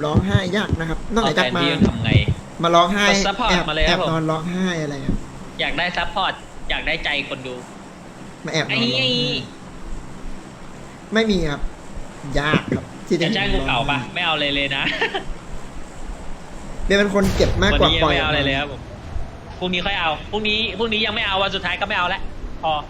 ร้องไห้ยากนะครับนอกเอาจากแฟนมาพี่ทำไงมาร้องไห้กด support แอบมาเลยครับนผมอนร้องไห้อะไรครับอยากได้ซัพพอร์ตอยากได้ใจคนดูมาแอบนไอ้อนร้องไห้ไม่มีครับยากครับที่จะจะจ้างกูเก่าปะไม่เอาเลยนะเบียร์เป็นคนเก็บมากวันกว่านี้ปยัล่งอยไม่เอาอะไรเลยครับผมพรุ่งนี้ค่อยเอาพรุ่งนี้ยังไม่เอาวันสุดท้ายก็ไม่เอาแล้วพอ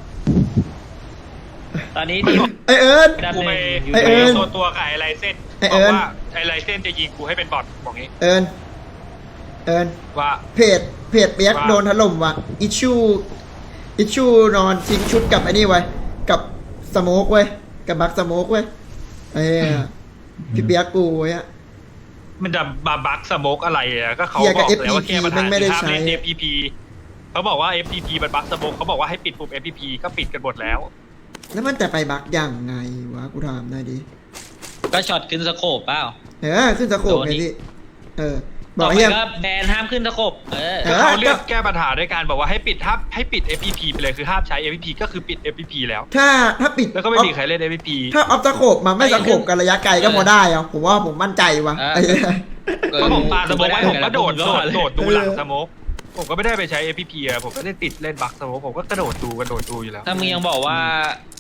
ตอนนี้ทีมไอเอิญดับกูหไปนึ่งอยู่ไอ้เอิญตัวกับไอ้ไรเส้นไอ้บเอิอกญว่าไอ้ไรเส้นจะยิงกูให้เป็นบอทบอกงี้เอิญเอิญว่าเพจเปียกโดนถล่มว่ะอิชูนอนทิ้งชุดกับไอ้นี่ไว้กับสโมกเว้ยกับบักสโมกเว้ยพี่เปียกกูเว้ยมันจะบาบักสโมกอะไรอ่ะก็เขาเหี้ยบกับอกแล้วว่า FPP แก้ปัญหาไม่ได้คือห้ามเล่นใช้ FPP เขาบอกว่า FPP มันบักสโมกเขาบอกว่าให้ปิดปุ่ม FPP ก็ปิดกันหมดแล้วแล้วมันจะไปบักยังไงวะกูถามหน่อยดิก็ช็อตขึ้นสโคปเปล่าขึ้นสโคปไงพี่บต่ออก ไปเฮียก็แบนห้ามขึ้นสโคปก็เขาเลือกแก้ปัญหาด้วยการบอกว่าให้ปิด FPP ไปเลยคือห้ามใช้ FPP ก็คือปิด FPP แล้วถ้าปิดแล้วก็ไม่มีใครเล่น FPP ถ้าออฟสโคปมาไม่สโคปกันระยะไกลก็พอได้อะผมว่าผมมั่นใจวะเพราะผมปาสโมกไว้ผมก็โดดดูหลังเออสโมกผมก็ไม่ได้ไปใช้ FPP อะผมก็ได้ติดเล่นบักสโมกผมก็กระโดดดูอยู่แล้วถ้ามึงยังบอกว่า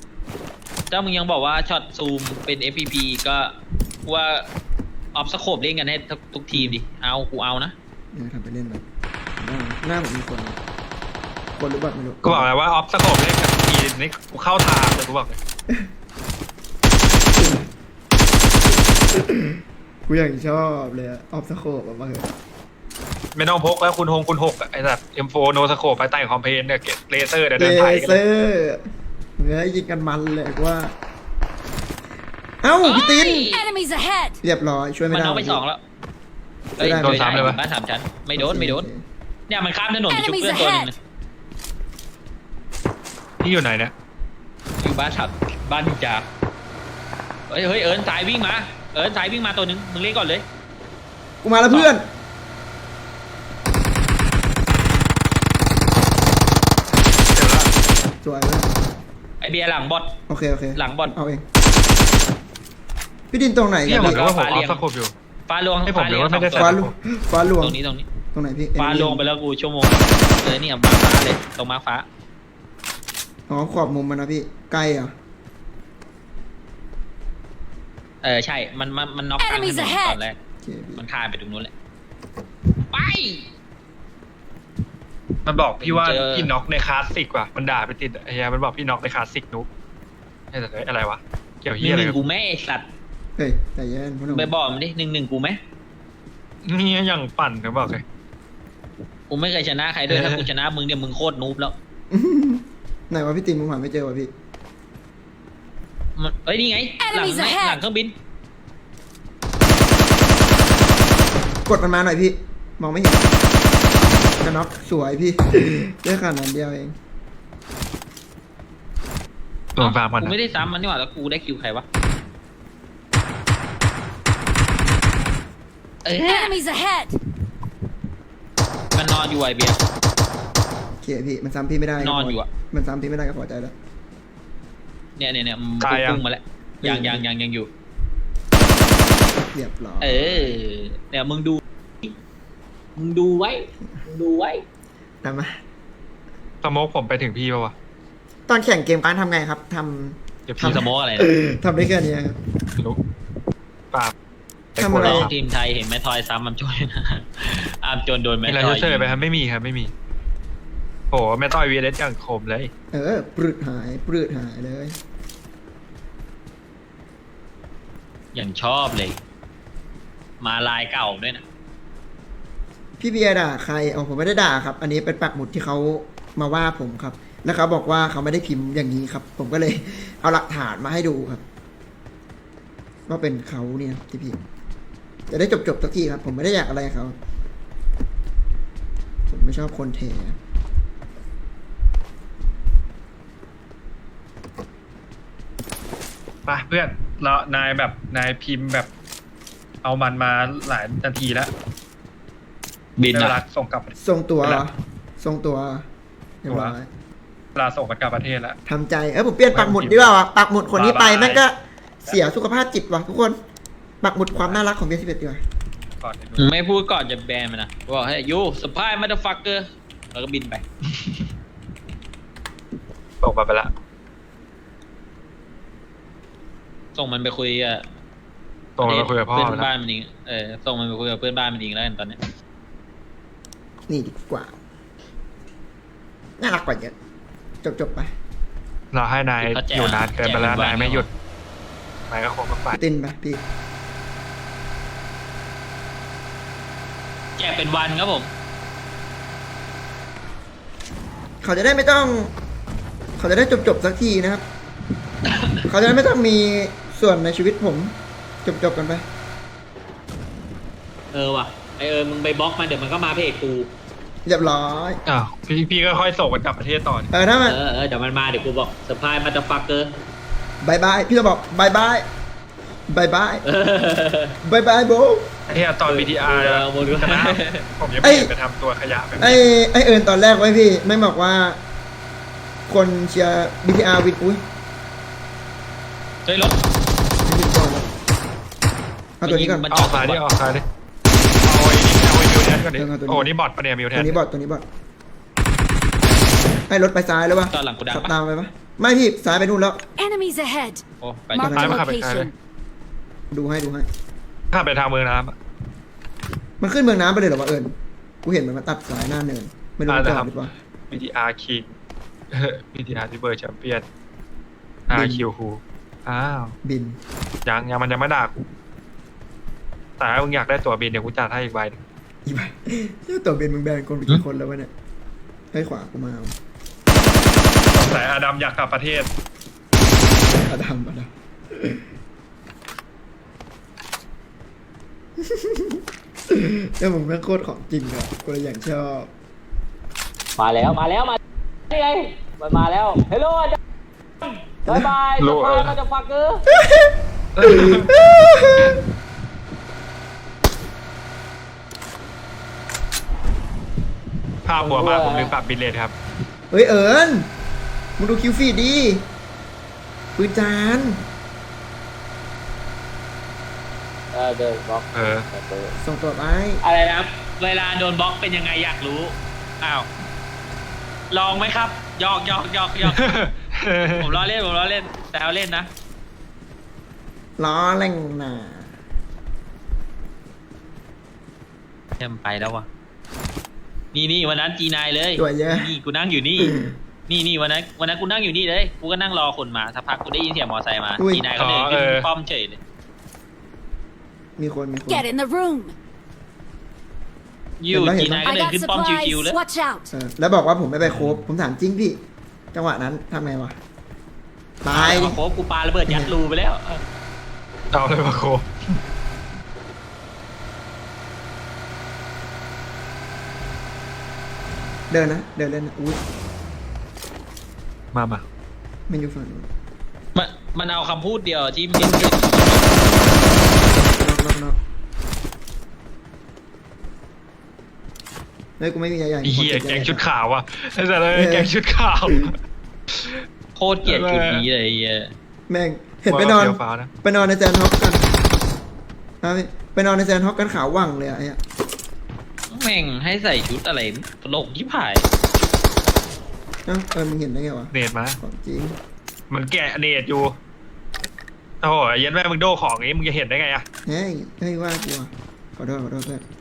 ช็อตซูมเป็น FPP ก็ว่าออฟสโคปเล่นกันให้ทุกทีมดิกูเอานะทำไปเล่นแบบหน้าผมมีคนหรือเปล่าไม่รู้ก็บอกแล้วว่าออฟสโคปเล่นกับทีนี่กูเข้าทางเลยกูบอกเลยกูอย่างชอบเลยออฟสโคปมาเหอะไม่ต้องพกแล้วคุณหกไอ้สัตว์ M4 โนสโคปไปใต้คอมเพนเนี่ยเก็บเลเซอร์เดิเลนไถกันเซอร์เนื้อยิงกันมันเลยว่า เอ้าพี่ติน Enemies ahead! เรียบร้อยช่วยไม่มันได้เอาไปสองแล้วไม่ได้โดนซ้ำเลยวะบ้านสามชั้นไม่โดนเนี่ยมันข้ามถนนไปชุบ Enemies เพื่อนตัวหนึง ahead นะที่อยู่ไหนเนี่ยอยู่บ้านนินจาเฮ้ยเอิญสายวิ่งมาตัวหนึงมึงเล่นก่อนเลยกูมาแล้วเพื่อนสวยเลยไอเบียร์หลังบอทโอเคหลังบอลเอาเองพี่ดินตรงไหนเนี่ยกันผมพี่รู้ว่าผมฟ้าอเรีอยงฟสโคปอยู่ฟ้าลวงให้ผมฟ้าเรียงหรือว่าไม่ได้สองฟ้าตัวลวงฟ้าลวงตรงนี้ตรงไหนพี่ฟ้าลวงไปแล้วกูชั่วโมงเนี่ยมาฟ้าเลยตรงมาฟ้าอ๋อขอบมุมมันนะพี่ใกล้อ่ะใช่มันน็อกกลางถน Enemies น ahead ตอนแรกโอเคพี่มันคานไปตรงนู้นแหละไปมันบอกพี่ว่าเจอพี่น็อกในคลาสสิกว่ะมันด่าไปติดไอ้เหี้ยมันบอกพี่น็อกในคลาสสิกนุ๊กไอ้แต่อะไรวะเกี่ยวหเหี้ยอะไรนึ่งกับกูแม่ไอ้สัตว์เฮ้ยใจเย็นพ่อหนุ่มไปบอกมันดิหนึ่งกูไหมนี่ยังปั่นเขาบอกเลยกูไม่เคยชนะใครด้วยถ้ากูชนะมึงเนี่ยมึงโคตรนูบแล้วไหนวะพี่ตินผมหาไม่เจอวะพี่เอ้ยนี่ไงหลัง Enemies ไหม ahead หลังเครื่องบินกดมันมาหน่อยพี่ มองไม่เห็นกระน็อกสวยพี่ ได้ขนาดนั้นเดียวเองตัวฟาร์มมันกูนะไม่ได้ซ้ำมันนี่หว่าแล้วกูได้คิวใครวะ Enemies ahead! มันนอนอยู่ไอเบียร์โอเคพี่มันซ้ำพี่ไม่ได้นอนอยู่อะมันซ้ำพี่ไม่ได้ก็พอใจแล้วเนี่ยมันพุ่งมาแล้วยังอยู่เรียบร้อยเนี่ยมึงดูไว้ทำมาสโมกผมไปถึงพี่ป่าวะตอนแข่งเกมการทำไงครับทเดี๋ยวทำพี่สโมกอะไรนะำทำได้แค่นี้ครับนุ๊กปราบทำอะไรน้องทีมไทยเห็นแม่ทอยซ้ำมันจนนะอามจนโดนแม่มีอะไรทอยเฉยๆไปครับไม่มีครับไม่มีโอ้แม่ต้อยวีเอสอย่างคมเลยปลืดหายเลยอย่างชอบเลย มาลายเก่าด้วยนะพี่เบียร์ด่าใครอ๋อผมไม่ได้ด่าครับ อันนี้เป็นปักหมุดที่เขามาว่าผมครับ แล้วเขาบอกว่าเขาไม่ได้พิมพ์อย่างนี้ครับ ผมก็เลย เอาหลักฐานมาให้ดูครับว่าเป็นเขาเนี่ยที่พิมพ์จะได้จบสักทีครับ ผมไม่ได้อยากอะไรกับเขาผมไม่ชอบคนเทไปเพื่อนเรานายพิมพ์แบบ เอามันมาหลายนาทีแล้วบินเวลาอะส่งกลับทรงตัวเวลาทรงตัวเรียบร้อยเวลาส่งกลับประเทศแล้วทำใจผมเปลี่ยนปักหมุดดีกว่าว่ะปักหมุดคนที่ไปแม่งก็เสียสุขภาพจิตว่ะทุกคนปักหมุดความน่ารักของเบียร์11ดีกว่าก่อนไอ้หนูมึงไม่พูดก่อนจะแบนมันนะบอกให้ยูสปายมาเดฟักเกอร์แล้วก็บินไปตกไปละส่งมันไปคุยกับตกมาคุยกับพ่อเพื่อนแล้วบ้านมันเองส่งมันไปคุยกับเพื่อนบ้านมันเองแล้วกันตอนเนี้ยนี่ดีกว่า น่ารักกว่าเยอะจบไปเราให้นายอยู่นานเกินไปแล้วนายไม่หยุดนายก็คงต้องไปตินไปพี่แจกเป็นวันครับผมเขาจะได้ไม่ต้อง เขาจะได้จบสักทีนะครับ เขาจะได้ไม่ต้องมีส่วนในชีวิตผม จบกันไปว่ะมึงไปบล็อกมันเดี๋ยวมันก็มาเพจกูเรียบร้อยอ้าวพี่ก็ค่อยส่งมันกลับประเทศต่อถ้ามันเดี๋ยวมันมาเดี๋ยวกูบอกสปายมาเดฟักเกอร์บายบาย พี่จะบอกบายบายบายบายบายบายโบไอ้เหี้ยตอน BTR โมดูชนะผมยังไม่เห็นไปทำตัวขยะแบบนี้ไอเอิญตอนแรกไว้พี่ ไม่บอกว่า คนเชียร์ BTR วินอุ้ยเฮ้ยรถไม่ผิดก่อนแล้วเอาตัวนี้ก่อนมันออกซ้ายดิออกซ้ายดิเอาไอ้นี่เอาไอ้มิวแทนก่อนดิเอาตัวนี้โอ้นี่บอทปะเนี่ยมิวแทตัวน นี้บอดให้รถไปซ้ายแล้ววะตอนหลังกูดังขับปะตามไปปะไม่พี่ซ้ายไปนู่นแล้ว Enemies ahead. โอ้ไป Marked ซ้าย a มาขับไปซ้ายเล location. ยดูให้ข้ามไปทางเมืองน้ำอะมันขึ้นเมืองน้ำไปเลยเหรอวะเอิญกูเห็นมันมาตัดสายหน้าเนิน ไม่รู้มันจอดหรือเปล่า BTR King BTR ที่เบอร์แชมเปี้ยนบิน RQ คูอ้าวบินยังมันยังไม่ด่ากูแต่ถ้ามึงอยากได้ตั๋วบินเดี๋ยวกูจัดให้อีกใบหนึ่งอีไปตัวบินมึงแบนคนไปกี่คนแล้ววะเนี่ยให้ขวากูมาเอาสงสัยอาดัมอยากกลับประเทศอดัมเนี่ยมึงแม่งโคตรของจริงอะกูเลยอย่างชอบมาแล้วนี่ไงมันมาแล้วเฮลโลอาจารย์บายบายโลสปายมาจะฟักเกอร์ภาพหัวมาผมลืมปรับบิลเลทครับเฮ้ยเอิญมึงดูคิวฟีดดีปืนจานเดินบล็อกเออส่งตัวไปอะไรนะครับ เวลาโดนบล็อกเป็นยังไงอยากรู้ อ้าว ลองไหมครับหยอกผมล้อเล่นแต่เอาเล่นนะล้อแรงหนาเทมไปแล้ววะนี่วันนั้นG9เลยตัวเยอะนี่กูนั่งอยู่นี่ นี่วันนั้นกูนั่งอยู่นี่เลยกูก็นั่งรอคนมาสักพักกูได้ยินเสียงมอไซค์มาG9ก็เดินขึ้นป้อมเฉยเลยมีคน Get in the room. อยู่G9ก็ I เดิน got ขึ้นป้อมชิวๆ supplies. เลย Watch out. แล้วบอกว่าผมไม่ไปโคบผมถามจริงพี่ จังหวะนั้นทำไงวะ ตายดิโคบกูปาระเบิดยัดรูไปแล้วเอาเลยมาโคเดินเล่นนะอุ้ยมามันอยู่ฝั่งนู้นมันเอาคำพูดเดียวที่มินนอกเฮ้ยกูไม่มีใหญ่ไอ้เหี้ยแกงชุดขาวอ่ะไอ้สัตว์เลยแกงชุดขาวโคตรเกลียดจุดนี้เลยไอ้เหี้ยแม่งเห็นไปนอนเฟี้ยวฟ้าวนะไปนอนในแซนฮอกกันไปนอนในแซนฮอกกันขาวว่างเลยอะไอ้อะแม่งให้ใส่ชุดอะไรตลกที่ผายมึงเห็นได้ไงวะเนตมาของจริงมันแกะเนตอยู่โอ้โหเย็นแม่มึงโดของนี้มึงจะเห็นได้ไงอะเฮ้ยว่ากูอะขอโทษเพื่อน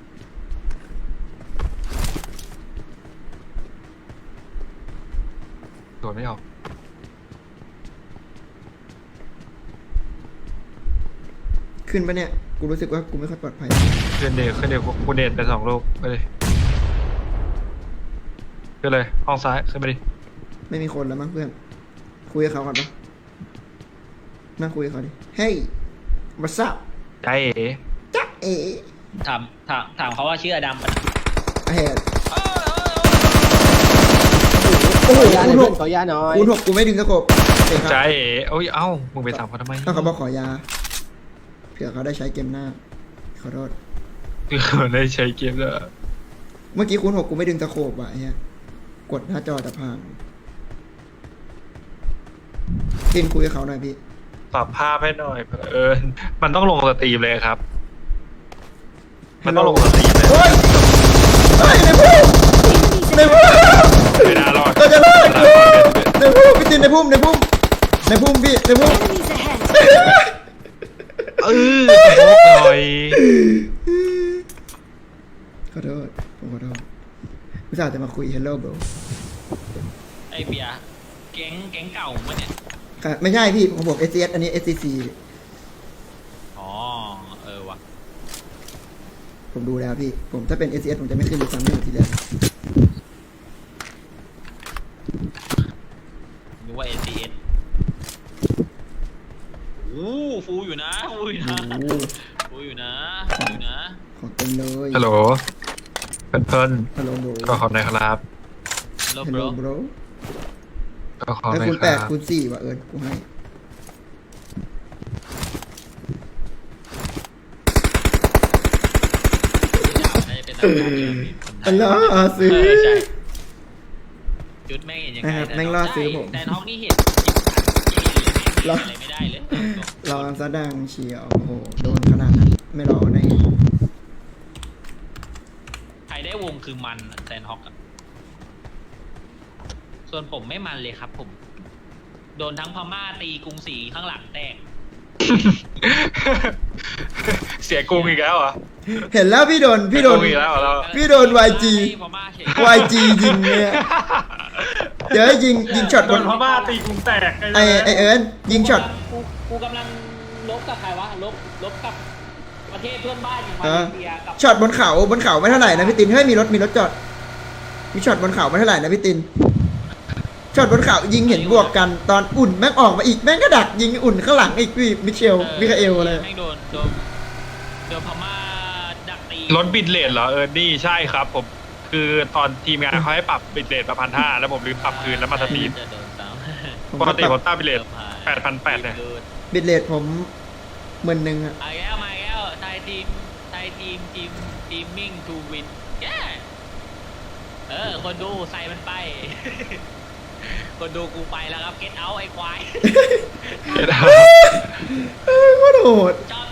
โดนไม่ออกขึ้นปะเนี่ย กูรู้สึกว่ากูไม่ค่อยปลอดภัยขึ้นเดทกูเนตไป2 ลูกไปเลยขึ้นเลยห้องซ้ายขึ้นไปดิไม่มีคนแล้วมั้งเพื่อน คุยกับเขาก่อนปะนั่งคุยกับเขาดิ เฮ้ย what's up ใจเอ๋จ๊ะเอ๋ถามเขาว่าชื่ออดัมปะไอแฮดโอ้โหขอยาหน่อยคูณเพื่หอนกขอยาหน่อยคูณ 6กูไม่ดึงตะกบเองคใจรับเอ๋โอ้ยเอ้ามึงไปถามเขาทำไมถ้าเขาบอกขอยา เผื่อเขาได้ใช้เกมหน้า ขอโทษคือได้ใช้เกมแล้วเมื่อกี้คูณ 6กูไม่ดึงตะโขบว่ะไอ้เหี้ยกดหน้าจอแต่พังกินคุยกับเขาหน่อยพี่ปรับภาพให้หน่อยเผอิญมันต้องลงสตรีมเลยครับ มันต้องลงสตรีมเลยเฮ้ยเฮ้ยในพุ่ม Enemies ในพุ่มไม่น่ารอดเราจะรอดในพุ่มพี่ตินในพุ่มในพุ่มในพุ่มพี่ในพุ่ม Enemies ahead! โมกหน่อยขอโทษผมขอโทษผู้ชายจะมาคุย hello bro ไอเบียร์แก๊งเก่ามั้เนี่ยค่ะไม่ใช่พี่ของผม SCS อันนี้ SCC อ๋อว่ะผมดูแล้วพี่ผมถ้าเป็น SCS ผมจะไม่ขึ้นเลยซ้ำไม่เหมือนทีแรกนึกว่า ACS โอ้ฟูอยู่นะฟูอยู่นะโอ้โหฟูอยู่นะฟูอยู่นะของเต็มเลยฮัลโหลเพื่อนฮัลโหล bro ๆก็ขอบในครับ Hello hello bro bro ก็ขอบไอ้ในคูณคแปรัดบคูณ4ว่ะเอิญกูให้น่าจะเป็นตำนานที่มีคนไทอัยนล่อซื้อใช่จุดแม่งเห็นยังไงนะครับแม่งล่อซื้อผมแต่ท้องนี่เห็นจิบเลยแม่งอะไรไม่ได้เลยรอซะดังเชียวโอ้โหโดนขนาดนั้นไม่รอได้ไงใครได้วงคือมันแซนฮอกอะส่วนผมไม่มันเลยครับผม โดนทั้งพม่าตีกรุงศรีข้างหลังแตกเสียกรุงอีกแล้วเหรอเห็นแล้วพี่โดนเสียกรุงอีกแล้วเหรอเราพี่โดน YG พม่าเฉย YG ยิงเนี่ยเดี๋ยวให้ยิงช็อตโดบนนพม่าตีกรุงแตกไอเอิญยิงช็อตกูกำลังลบกับใครวะลบกับประเทศเพื่อนบ้านอย่างมาเอเลอเซียกับช็อตบนเขาไม่เท่าไหร่นะพี่ตินเฮ้ยมีรถจอดมีช็อตบนเขาไม่เท่าไหร่นะพี่ตินช็อตบนเขายิงเห็นบวกกันตอนอุ่นแม่งออกมาอีกแม่งก็ดักยิงอุ่นข้างหลังอีกพี่มิเชลมิคาเอลอะไรแม่งโดนพม่าดักตีรถบิดเลทเหรอนี่ใช่ครับผมคือตอนทีมงานเขาให้ปรับบิดเลทมา1,500แล้วผมลืมปรับคืนแล้วมาสตรีมจะโดนซ้ำปกติผมตั้งบิดเลท8,800เนี่ยบิดเลทผม10,000อะมาแล้วไทยทีมมิ่งทูวินแย่คนดูใส่มันไป คนดูกูไปแล้วครับเก็ตเอาไอ้ควายก็โหดชอบ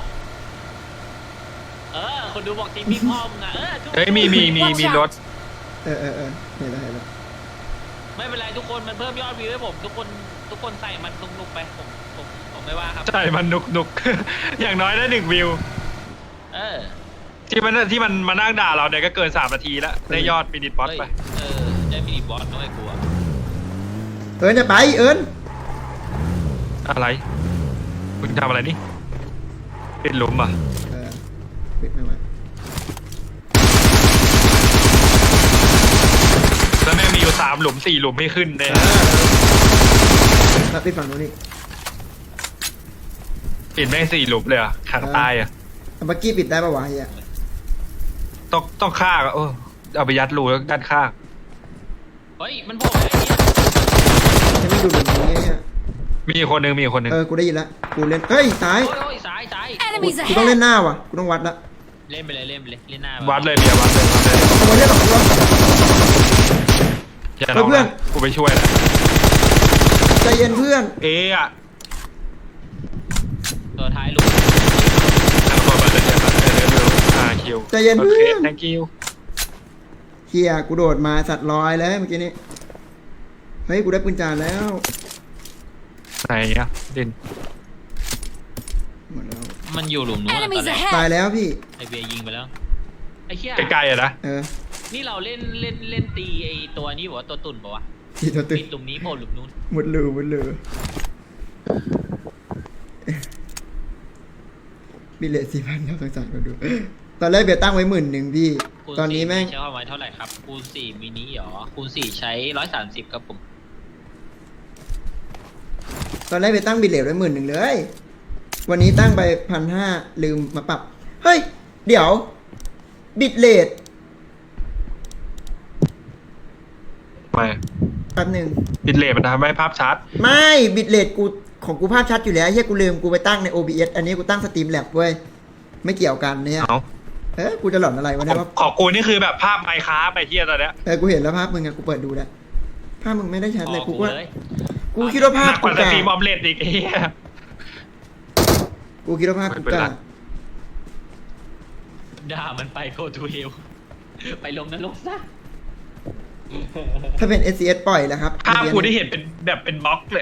คนดูบอกทีมมิ่งพ่อมึงอะทุกเฮ้ยมีรถเออเห็นแล้วไม่เป็นไรทุกคนมันเพิ่มยอดวิวให้ผมทุกคนใส่มันนุกๆไปผมไม่ว่าครับใช่มันนุกๆ อย่างน้อยได้1 วิวเออที่มันมานั่งด่าเราเนี่ยก็เกิน3 นาทีแล้วได้ยอดมินิบอสไปได้มินิบอสก็ไม่กลัวเอิญจะไปเอิญอะไรคุณทำอะไรนี่เป็นหลุมอ่ะปิดไม่ไหวแล้วแม่งมีอยู่3 หลุม 4 หลุมให้ขึ้นเนี่ยแล้วปิดฝั่งนู้นอีกปิดแม่ง4 หลุมเลยอ่ะขังตายอ่ะเมื่อกี้ปิดได้ปะวะเฮียต้องฆ่าอ่ะเอาไปยัดรูแล้วด้านข้างเฮ้ยมันโผล่อะไรเนี่ยฉันไม่ดูแบบนี้เนี่ยมีอีกคนนึงกูได้ยินละกูเล่นเฮ้ยซ้ายโอ้ยซ้าย Enemies กูต้องเล่น ahead! หน้าว่ะกูต้องวัดละเล่นไปเลยเล่นหน้าวัดเลยเบียร์วัดเลยเอาไว้เล่นหรอกกูอย่าลองเพื่อนนะกูไปช่วยนะใจเย็นเพื่อนอ่ะตัวท้ายลุกทำตัวมาเลยคิวใจเย็นโอเพื่เคอน thank you เฮียกูโดดมาสัตว์ลอยเลยเมื่อกี้นี้เฮ้ยกูได้ปืนจานแล้วไหนอ่ะดินหมดแล้วมันอยู่หลุมนู้นตอน Enemies แรกตาย ahead! แล้วพี่ไอเบียยิงไปแล้วไอ้เหี้ยใกล้ๆอ่ะนะนี่เราเล่นตีไอตัวนี้บอกว่าตัวตุ่นบอกว่าทีตัวตึงปิดหลุมนี้โผล่หลุมนู้นหมดเลยบิลเลต4,000แล้วสงสารคนดูตอนแรกเบียร์ตั้งไว้10,000พี่คูณตอนนี้ 4 แม่งใช้ความไว้เท่าไหร่ครับคูณ4มินิหรอคูณ4ใช้130ครับผมตอนแรกไปตั้งบิลเลตไว้10,000เลย วันนี้ตั้งไป1,500ลืมมาปรับ เฮ้ย เดี๋ยว บิตเลทไม่แป๊บหนึ่งบิดเลทมันทำให้ภาพชัดไม่บิตเลทกูของกูภาพชัดอยู่แล้วเฮียกูลืมกูไปตั้งใน OBS อันนี้กูตั้งสตรีมแลบเว้ย ไม่เกี่ยวกันเนี่ยเอากูจะหลอนอะไรวะเนี่ยว่าของกูนี่คือแบบภาพไมค์ค้าไปเที่ยตอนเนี้ยกูเห็นแล้วภาพมึงอะกูเปิดดูแล้วภาพมึงไม่ได้ชัดเลยอ๋อกูว่าเลยกูคิดว่าภาพหนักกกูว่าสกาตรีมออมเล็ตอีกไอ้เหี้ยกูคิดว่าภาคกูกล้าด่ามันไปโกทูเฮลไปลงนรกซะถ้าเป็น SCS ปล่อยแล้วครับภาพกูได้เห็นเป็นแบบเป็นม็อกเลย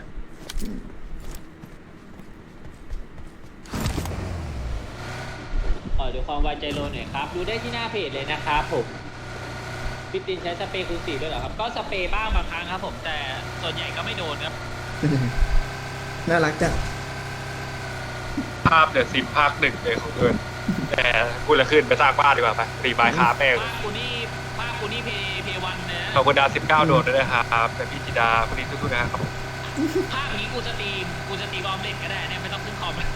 ขอดูความไวใจโลหน่อยครับ ดูได้ที่หน้าเพจเลยนะครับผมพี่ตินใช้สเปรย์คูณ4ด้วยเหรอครับก็สเปรย์บ้างบางครั้งครับผมแต่ส่วนใหญ่ก็ไม่โดนครับน่ารักจังภาพเดือดซิมภาคหนึ่งเลยของเกินแต่กูละขึ้นไปสร้างบ้านดีกว่าไปรีบายคาแป้งภาคกูนี่เพวันนะขอบคุณดาว19 โดดด้วยนะครับแต่พี่จิดาพวกนี้ทุกๆนะครับภาคนี้กูสตรีมออมเล็ตก็ได้เนี่ยไม่ต้องขึ้นคอมนะ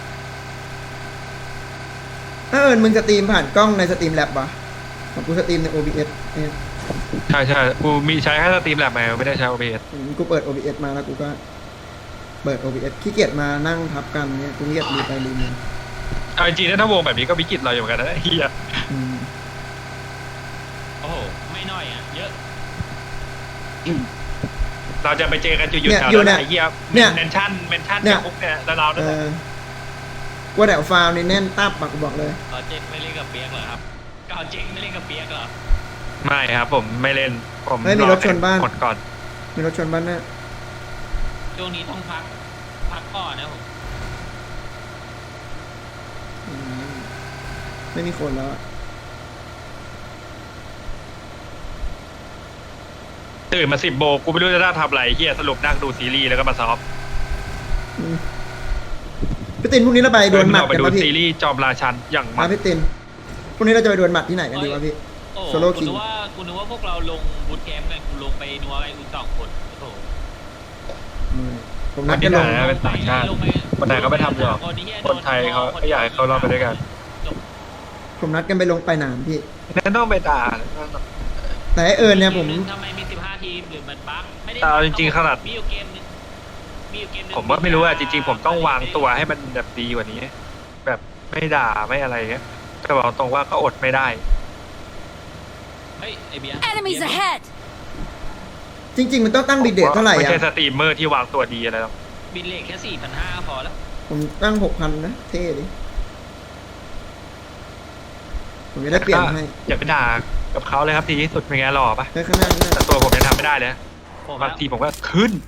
ถ้ามึงสตรีมผ่านกล้องในสตรีมแล็บปะของกูสตรีมใน OBS เนี่ยใช่ใช่กูมีใช้แค่สตรีมแลบมาไม่ได้ใช้ OBS กูเปิด OBS มาแล้วกูก็เปิด OBS ขี้เกียจมานั่งทับกันเนี่ยกูขี้เกียจรีไปรีมาเอาจริงๆถ้าวงแบบนี้ก็วิกฤตเราอยู่เหมือนกันนะเฮียอืมโอ้โหไม่น้อยอ่ะเยอะเราจะไปเจอกันจุดหยุดเนี่ยแถวอยู่นั้นเนี่ยไอ้เฮียเนี่ยเมนชั่นเนี่ยจากพวกเนี่ยแล้วเราเอเนี่ยอว่าแถวฟาวนี่แน่นตับปากกูบอกเลยเจ๊กไม่เล่นกับเปียกเหรอครับก็เจ๊กไม่เล่นกับเปียกเหรอไม่ครับผมไม่เล่นผมเฮ้ยมีรถชนบ้านกดก่อนมีรถชนบ้านหน้าช่วงนี้ต้องพักก่อนนะผมอืมไม่มีคนแล้วอะตื่นมา10 โมงกูไม่รู้จะได้ทำอะไรเฮียสรุปนั่งดูซีรีส์แล้วก็มาซ้อมอืมพี่ตินพรุ่งนี้เราไปโดนหมัดไปกันดูปะพี่ซีรีส์จอมราชันอย่างมัมาน พี่ตินพรุ่งนี้เราจะไปโดนหมัดที่ไหนกันดีวะพี่โอ้โซโล่กูคิงนึกว่าพวกเราลงบูทแคมป์กันกูลงไปนัวไอ้คุณ2 คนโอ้โหผมนัดกันลงวัเป็นต่างชาติคนไทยเขาไม่ทำหรอกคนไทยเขาอยากให้เขารอดไปด้วยกันผมนัดกันไปลงไปหนามพี่นั่นต้องไปด่าแต่ไอ้เอิญเนี่ยผมทำไมมี15 ทีมหรือมันบั๊กไม่ได้แต่เอาจริงๆขนาดมีอยู่เกมนึงผมว่าไม่รู้อะจริงๆผมต้องวางตัวให้มันแบบดีกว่านี้ แบบไม่ด่าไม่อะไรเงี้ยแต่บอกตรงว่าก็อดไม่ได้เฮ้ยไอเบียร์ Enemies ahead! จริง ๆ มันต้องตั้งบิดเดทเท่าไหร่ไม่อ่ะใช่สตรีมเมอร์ที่วางตัวดีอะไรหรอกบินเลทแค่ 4,500พอแล้วผมตั้ง 6,000 นะ เท่ดิ ผมจะได้เปลี่ยนให้อย่าไปด่ากับเขาเลยครับทีที่สุดเป็นไงหล่อปะเฮ้ยข้างหน้าข้างหน้าแต่ตัวผมยังทำไม่ได้เลยผมบางทีผมก็ขึ้น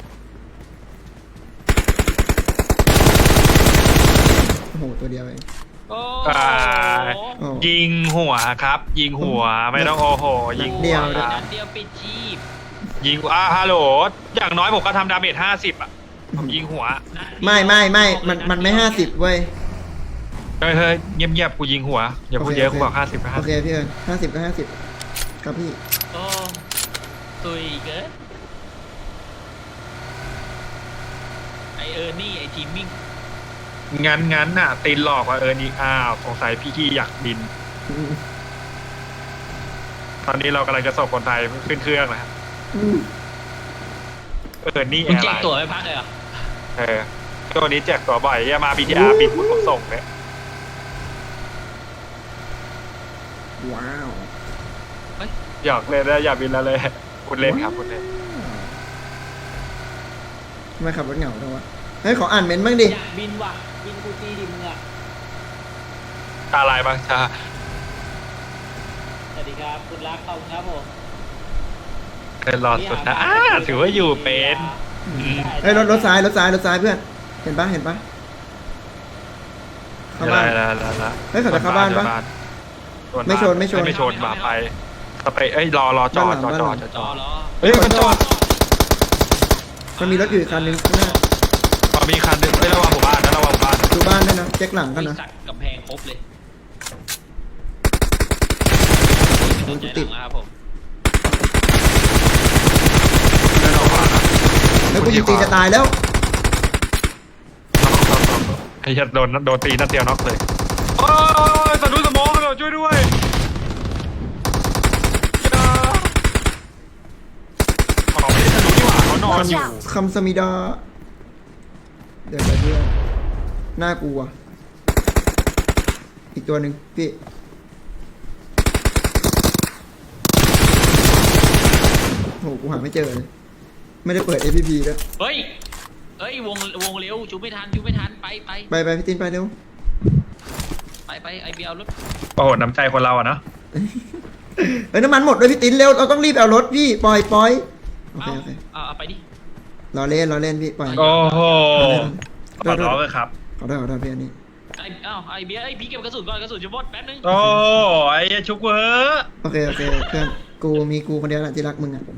โอ้โห ตัวเดียวเองโอ้อ่าโอ้ยิงหัวครับ ยิงหัวไม่ต้องโอ้โหยิงเดียวหันัดเดียวปิดชีพยิงฮัลโหลอย่างน้อยผมก็ทำดาเมจ50 อ่ะผมยิงหัวไม่มันไม่ 50 เว้ยเฮ้ยเงียบๆกูยิงหัวอย่าพูดเยอะกูบอก50 โอเคพี่เอิญ50 ก็ 50 ครับพี่โอ้ตุยเกินไอนี่ไอทีมมิ่งงั้นน่ะตีนหลอกว่านี่อ้าวสงสัยพี่กี้อยากบิน ตอนนี้เรากำลังจะส่งคนไทยขึ้นเครื่องนะครับนี่มึงอะแจไรกตั๋วไปพักเลยเหรอตัวนี้แจกตัวบ่อยอย่ามา BTR บินผมส่งเลยว้าวหยอกเลยนะอย่าบินแล้วเลยคุณเล่นครับคุณเล่นทำไมขับรถเหงาจังวะเฮ้ยขออ่านเมนต์บ้างดิอยากบินว่ะ บินกูตีดิมึงอ่ะอะไรบ้างจ้าสวัสดีครับ คุณรักขอบคุณครับผมเป็นหลอดสุดนะถือว่าอยู่เป็นเฮ้ยรถซ้ายเพื่อน เห็นปะเข้าบ้านแล้วเฮ้ยเขาจะเข้าบ้านปะ ไม่ชนไม่ชนมาไปสเปรย์รอจอดจอเหรอเฮ้ยมันจอดมันมีรถอยู่อีกคันนึงข้างหน้ามีคันนึงไม่ระวังผมบ้านนะระวังบ้านดูบ้านด้วยนะเช็คหลังกันนะสักกำแพงครบเลยมันใจติดหลังนะครับผมไม่ระวังนะแล้วกูยิงตีจะตายแล้วไอ้ยัดโดนตีนัดเดียวน็อกเลยโอ้ยสะดุ้งสมองเลยช่วยด้วยอ๋อไม่ได้สะดุ้งนี่หว่าเขานอนอยู่คำสมิดา เดี๋ยวเพื่อนน่ากลัว อีกตัวหนึ่งพี่โหกูหาไม่เจอเลย ไม่ได้เปิด APP ด้วยเฮ้ยเอ้ยวงเร็วจูไม่ทันไปไปพี่ตินไปเร็วไปไอเบียร์รถโอ้โหน้ำใจคนเราอะเนาะเฮ้ยน้ำมันหมดด้วยพี่ตินเร็วเราต้องรีบเอารถพี่ปล่อยโอเคโอเคเอาไปดิรอเล่นพี่ปล่อยโอ้โหขโทอษร้องเลยครับขอโทษพี่อันนี้ไอเบียร์พี่เก็บกระสุนก่อนกระสุนจะหมดแป๊บนึงโอ้ไอ้ชุกเวอร์โอเคเพื่อนกูคนเดียวแหละที่รักมึงอ่ะ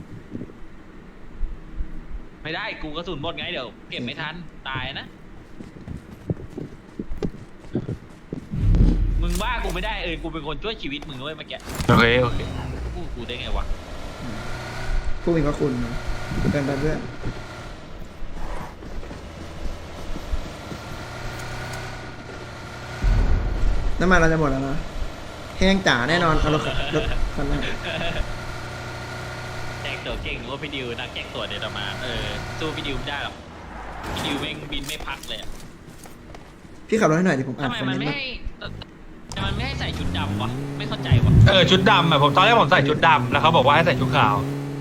ไม่ได้กูกระสุนหมดไงเดี๋ยวเก็บไม่ทันตายนะมึงว่ากูไม่ได้กูเป็นคนช่วยชีวิตมึงด้วยเมื่อกี้โอเคกูได้ไงวะผู้มีพระคุณนะเพื่อนน้ำมันเราจะหมดแล้วนะแห้งจ๋าแน่นอนเอารถคันนั้นแจกตัวเก่งว่าพี่ดิวนักแจกตัวเดี๋ยวมาสู้พี่ดิวไม่ได้หรอกพี่ดิวแม่งบินไม่พักเลยพี่ขับรถให้หน่อยดิผมอ่านทำไมคอมเมมันนต์ไม่มาให้ทำไมไม่ให้ใส่ชุดดำวะไม่เข้าใจวะชุดดำอะผมตอนแรกผมใส่ชุดดำแล้วเขาบอกว่าให้ใส่ชุดขาว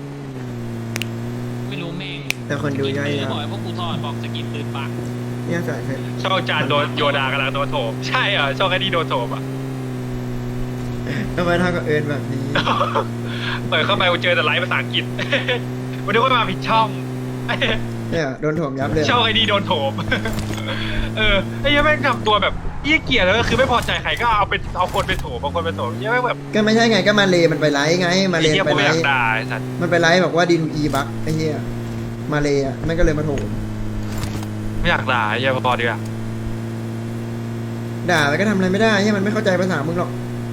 ไม่รู้แม่งแต่คนดูย่อยบอกให้พวกกูถอดบอกสกินปืนปักเนี่ยใส่เสร็จช่องจานโดนโยดากำลังโดนโถมใช่เหรอช่องไอ้นี่โดนโถมอะทำไมท่ากับเอิญแบบนี้เปิดเข้าไปเจอแต่ไลฟ์ภาษาอังกฤษ วันนี้ว่ามาผิดช่องเนี่ยโดนถ่วงยับเลยช่องไอ้นี่โดนโถม ไอ้ยังแม่งทำตัวแบบเยี่ยเกียร์แล้วก็คือไม่พอใจใครก็เอาคนไปโถมเอาคนไปโถมเยี่ยแม่งแบบก็ไม่ใช่ไงก็มาเลมันไปไลฟ์ไงมาเลไอ้เยี่ยไปผมไลไม่อยากฟ์ด่าไอ้สัตว์มันไปไลฟ์บอกว่าดีดูอีบักไอ้เหี้ยมาเลอ่ะมันก็เลยมาโถมไม่อยากด่าไอ้เยี่ยพอดีกว่าด่าไปก็ทำอะไรไม่ได้เหี้ยมันไม่เข้าใจภาษามึงหรอก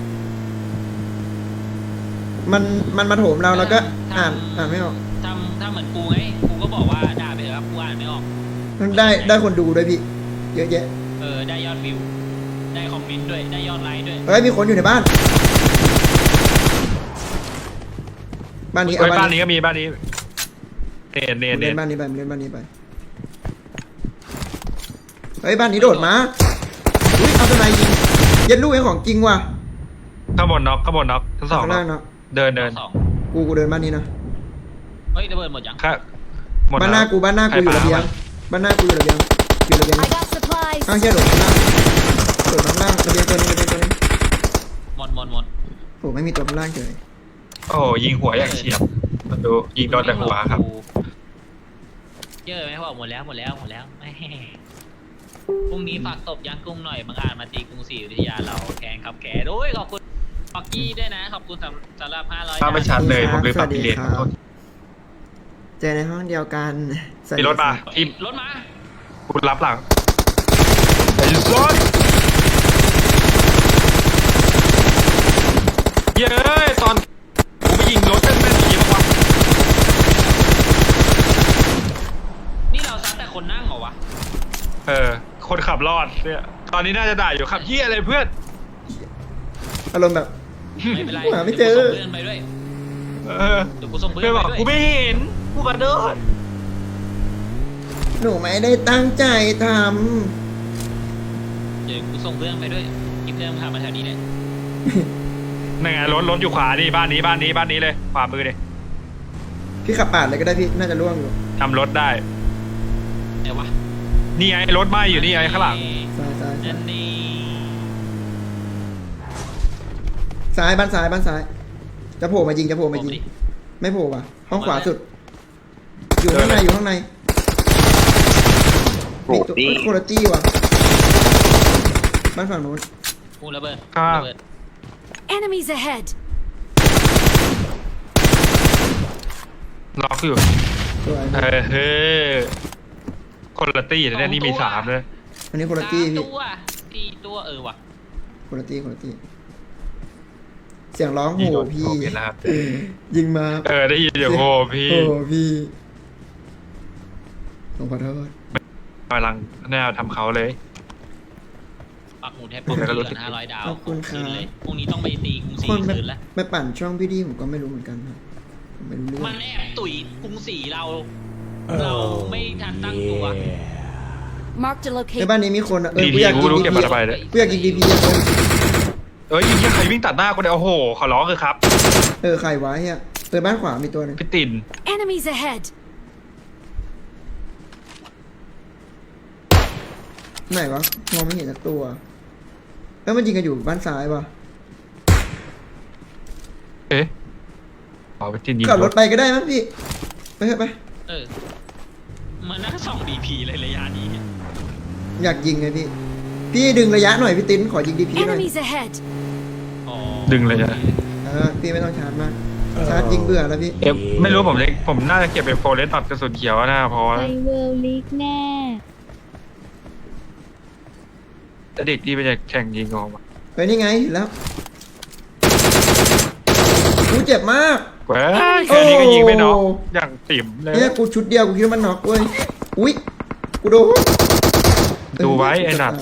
มันมาโถมเราแล้วก็อ่านไม่ออกทำเหมือนกูไงกูก็บอกว่าด่าไปเถอะครับกูอ่านไม่ออกได้คนดูด้วยพี่เยอะแยะได้ยอดวิวได้คอมเมนต์ด้วยได้ยอดไลค์ด้วยเฮ้ยมีคนอยู่ในบ้านนี้เฮ้ยบ้านนี้ก็มีบ้านนี้เนเล่นนบ้านนี้ไปเล่นบ้านนี้ไปเฮ้ยบ้านนี้โดดมาอุ้ยเอาทนายยิงเย็นลูกไอ้ของจริงว่ะข้างบนน็อกทั้งสองข้างล่างเนาะเดินสองกูเดินบ้านนี้นะเฮ้ยระเบิดหมดยังค่ะหมดบ้านหน้ากูอยู่ระเบียงบ้านหน้ากูอยู่ระเบียง I got supplies. ข้างเชี่ยโดดข้างล่างระเบียงตัวนึงหมดโอ้ไม่มีตัวข้างล่างเฉยโอ้ยิงหัวอย่างเฉียบมันดูยิงโดนแต่หัวครับเจอไหมบอกหมดแล้วแม่พรุ่งนี้ฝากตบยางกุ้งหน่อยบางอาจมาตีกรุงศรีอยุธยาเราแข่งครับแขกโอ้ยขอบคุณฟอกกี้ด้วยนะขอบคุณสำหรับ500 ถ้าไม่ชัดเลยผมเลยปรับพิเรนขอโทษเจอในห้องเดียวกันมีรถมาทีมรถมากูรับหลังไอ้รถเย้ยตอนกูไปยิงรถแม่นๆอย่างนี้บ้างวะนี่เราซัดแต่คนนั่งเหรอวะคนขับรอดเนี่ยตอนนี้น่าจะด่าอยู่ขับเหี้ยอะไรเพื่อนอารมณ์แบบไม่เป็นไรหาไม่เจอดี๋ยวกูส่งเพื่อนไปด้วยเดี๋ยวกูส่งเพื่อนเพื่อนไปบอกด้วยกูไม่เห็นกูกระโดดหนูไม่ได้ตั้งใจทเดี๋ยวกูส่งเพื่อนไปด้วยกินเพื่อนพามาแถวนี้เลยนั่นไงรถอยู่ขวาดิบ้านนี้เลยขวามือดิำพี่ขับปาดเลยก็ได้พี่น่าจะล่วงอยู่ทำรถได้ไหนวะนี่ไงรถไหม้อยู่นี่ไงข้างหลังซ้ายนั่นนี่บ้านซ้ายจะโผล่มายิงไม่โผล่ว่ะห้องขวาสุด อยู่ข้างในมีตัวโคโรตี้ว่ะบ้านฝั่งนู้นกูระเบิดครับระเบิด Enemies ahead. ล็อกอยู่สวยเฮ้ยคนละตี้แต่เนี่ยนี่มี3เลยอันนี้โคโรตี้พี่ 4 ตัวว่ะโคโรตี้เสียงร้องโหพี่เห็นแล้วครับยิงมาได้ยินเดี๋ยวโหพี่โอ้พี่ผมขอโทษกำลังแนวทำเขาเลยปักหมุดให้ป้อมแล้วก็รู้เดืสึอก น500 ดาวขอบคุณครับนเลยพรุ่งนี้ต้องไปตีกรุงศรีคนไปคืนละไปปั่นช่องพี่ดีผมก็ไม่รู้เหมือนกันครับผมไม่รู้เรื่องมันแอบตุ๋ยกรุงศรีเราไม่ทันตั้งตัว Marked a ใน location. บ้านนี้มีคนอะดีกูอยากๆกูยิงรู้ดีเก็บพีมาระบายเลยกูอยากยิงดีพียิงใครวิ่งตัดหน้ากูเนี่ยโอ้โหขอร้องคือครับใครวะเฮียบ้านขวามีตัวหนึงพี่ติน Enemies ahead. ไหนวะมองไม่เห็นสักตัวแล้วมันยิงกันอยู่บ้านซ้ายปะเอ๊ะอ๋อไปจินยิงขับรถไปก็ได้มั้งพี่ไปเถอะไปเออมันน่าส่องดีพีเลยระยะนี้เนี่ยอยากยิงไงพี่พี่ดึงระยะหน่อยพี่ติ้นขอยิงดีพีหน่อย Enemies ahead! อ๋อดึงเลยนะพี่ไม่ต้องชาร์จมากชาร์จยิงเบื่อแล้วพี่ไม่รู้ผมน่าจะเก็บเป็นโฟเลสตัดกระสุนเขียวนะเพราะว่าไปเวิลด์ลีกแน่เด็กที่ไปจะแข่งยิงออกมาไปนี่ไงเห็นแล้วกูเจ็บมากแหวแค่นี้ก็ยิงไม่น็อกอย่างติ่มเลยเนี่ยกูชุดเดียวกูคิดว่ามันน็อกเว้ยอุ้ยกูโดนดูไว้ไอ้หนัด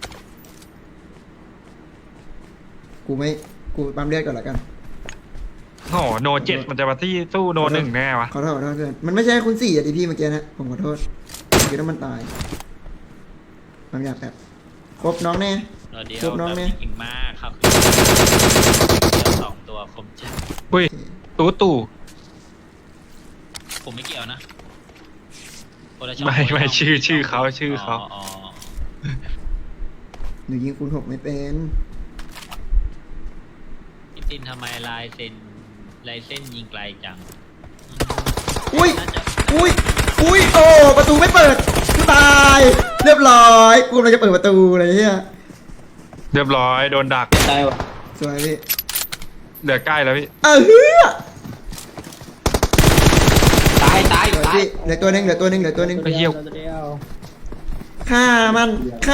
กูไม่กูปั๊มเลือดก่อนละกันโอ้โหโนเจ็ดมันจะมาที่สู้โนหนึ่งแน่วะขอโทษเพื่อนมันไม่ใช่คุณ4อ่ะดิพี่เมื่อกี้นะผมขอโทษคิดว่ามันตายปั๊มยาแบบครบน้องแน่เดี๋ยวครบน้องเนี่ยเก่งมากครับเดี๋ยวสองตัวผมจะอุ้ยตู่ผมไม่เกี่ยวนะคนละช่องไม่ชื่อเขาอ๋อหนูยิงคูณ6ไม่เป็นพี่ตินทำไมลายเส้นยิงไกลจังอุ้ยน่าจะอุ้ยโอ้ประตูไม่เปิดกูตายเรียบร้อยกูกำลังจะเปิดประตูอะไรเงี้ยเรียบร้อยโดนดักตายวะสวยพี่เหลือใกล้แล้วพี่เออเฮ้ยตายสวยพี่เหลือตัวหนึงไอ้เหี้ยฆ่ามัน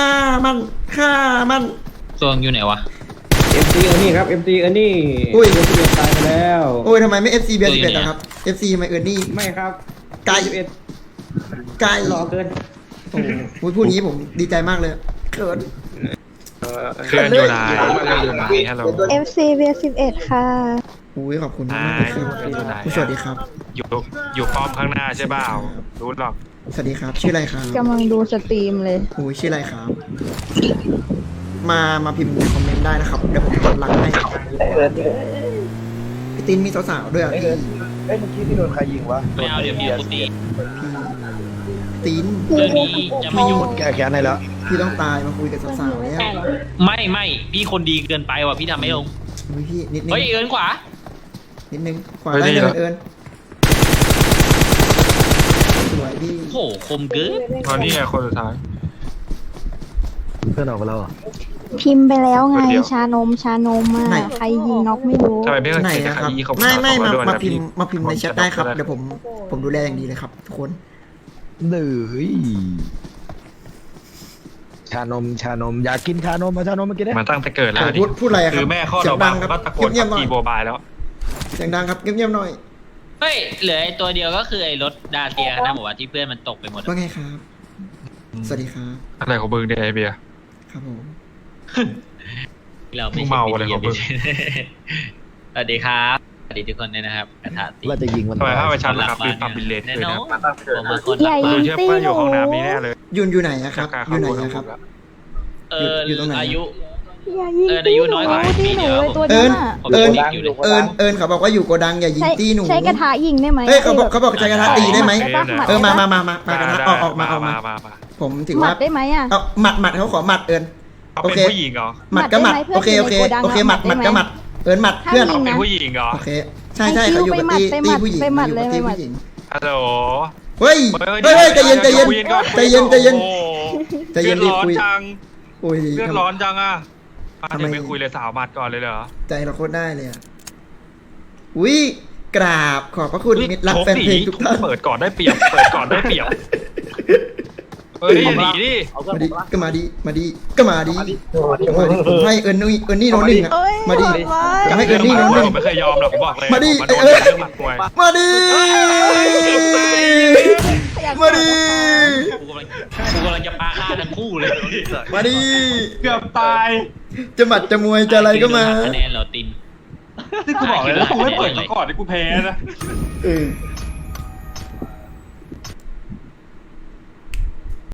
ตัวอยู่ไหนวะ MC เออนี่ครับ MC เออนี่อุ้ยตายไปแล้วโอ้ยทำไมไม่ FC เบียร์11อะครับ FC ทำไมเอิร์นนี่ไม่ครับไกล 11 ไกลรอเกินโอ้โหพูดนี้ผมดีใจมากเลยเขินเคลื่อนอยู่ไหนฮัลโหล FC เบียร์11 ค่ะอุ้ยขอบคุณมากเลยครับอยู่ไหนสวัสดีครับอยู่ป้อมข้างหน้าใช่เปล่ารู้หรอกสวัสดีครับ ชื่ออะไรครับกำลังดูสตรีมเลยโอ้ยชื่ออะไรครับ มาพิมพ์ในคอมเมนต์ได้นะครับ เดี๋ยวผมกดไลค์ให้พี่ตินมีสาวๆด้วยอ่ะพี่เอ้ยเมื่อกี้ที่โดนใครยิงวะไม่เอาเดี๋ยวพี่กูตีตินเรื่องนี้จะไม่ยุ่งแก้แค้นให้แล้วพี่ต้องตายมาคุยกับสาวๆเนี่ยไม่พี่คนดีเกินไปว่ะพี่ทำไม่ลงอุ้ยพี่นิดนึงเฮ้ยเอินขวานิดนึงขวาได้เลยเอิญสวยพี่โหคมเกินตอนนี้ไงคนสุดท้ายเพื่อนออกมาแล้วเหรอพิมพ์ไปแล้วไงคนเดียวชานมมาใครยิงน็อกไม่รู้ทำไมไม่เคยไหนเห็นนะใคครรับยีเขาไม่ด่วนมานะพิมพี่พ์มาพิมพ์ในแชทได้ครับ เดี๋ยวผมดูแลอย่างดีเลยครับทุกคนหนึ่ยชานมอยากกินชานมมาชานมมากินได้มาตั้งแต่เกิดแล้วดิพูดอะไรอะครับคือแม่ข้อเสียเรางดับังงครับก็ตะโกนเงียบๆหน่อยตีโบบายแล้วเสียงดังครับเงียบๆหน่อยเฮ้ยเหลือไอ้ตัวเดียวก็คือไอ้รถดาเซียนะบอกว่าที่เพื่อนมันตกไปหมดอะว่าไงครับ สวัสดีครับอะไรของมึงเนี่ยไอเบียร์ครับผมเราไม่มึงเมาอะไรของมึงสวัสดีครับสวัสดีทุกคนด้วยนะครับกระทะตีว่าจะยิงมันทำไมถ้าไปชันหลัครับบ้าคือปรับบิลเลตแน่เลยนอนะนมาตั้งแต่เกิดผมมาคนใหญ่ดูเชื่อว่าอยู่ห้องน้ำนี้แน่เลยอยู่ไหนอะครับ อยู่ไหนอะครับ อยู่ตรงไหนอายุอย่ายิงอายุน้อยกว่าตีหนูเลยตัวเอินั้นญอะผมเอิญด็กอยู่เลยเอิญเขาบอกว่าอยู่โกดังอย่ายิงใช้ตี้หนูใช้กระทะยิงได้ไหมเฮ้ยเขาบอกใช้กระทะตีได้ไหมด้ปะเออมากได้ปะมากระทะออกมา ผมถือหมัว่าดได้ไหมอะเอาหมัดเขาขอหมัดเอิญเขาโอเป็นเคผู้หญิงเหรอหมัดก็หมัดหมัดได้ไหมโอเคเพื่อนโอเคในโกดังหมัดหมัดได้ไหมก็หมัดเอิญหมัดเพื่อนห้ามยิเขางเป็นผู้หญิงเหรอโอเคใช่เขาอยู่กับตีผู้หญิงไปหมัดอยู่กับตีไปหมัดผู้หญิงฮัลโหลเฮ้ยใจเย็นใจเย็นใจเย็นใจเย็น ใจเย็นรีรีบบ ร้อนคุยจังโอ้ยเลือดร้อนจังอ่ะทำไมเดี๋ยวไม่คุยเลยสาวมัดก่อนเลยเหรอใจเราโคตรได้เลยอ่ะอุ้ยกราบขอบพระคุณมิตรรักแฟนเพลงทุกท่านเปิดก่อนได้เปรียบเปิดก่อนได้เปรียบเฮ้ยหนีดิมาดิก็มาดิมาดิก็มาดิผมให้เอิญนี่โนหนึ่งอ่ะเอ้ยมาดิหมัดไว้จะให้เอิญนี่โนหนึ่งผมไม่เคยยอมหรอกผมบอกเลยมาดิผโดนเอ้ยเรื่องหมัดมวยมาดิมาดิกูกำลังจะปาฆ่าทั้งคู่เลยมาดิเกือบตายจะหมัดจะมวยจะอะไรก็มาคะแนนเหราตินที่กูบอกเลยแล้วกูไม่เปิดมาก่อนที่กูแพ้นะเออ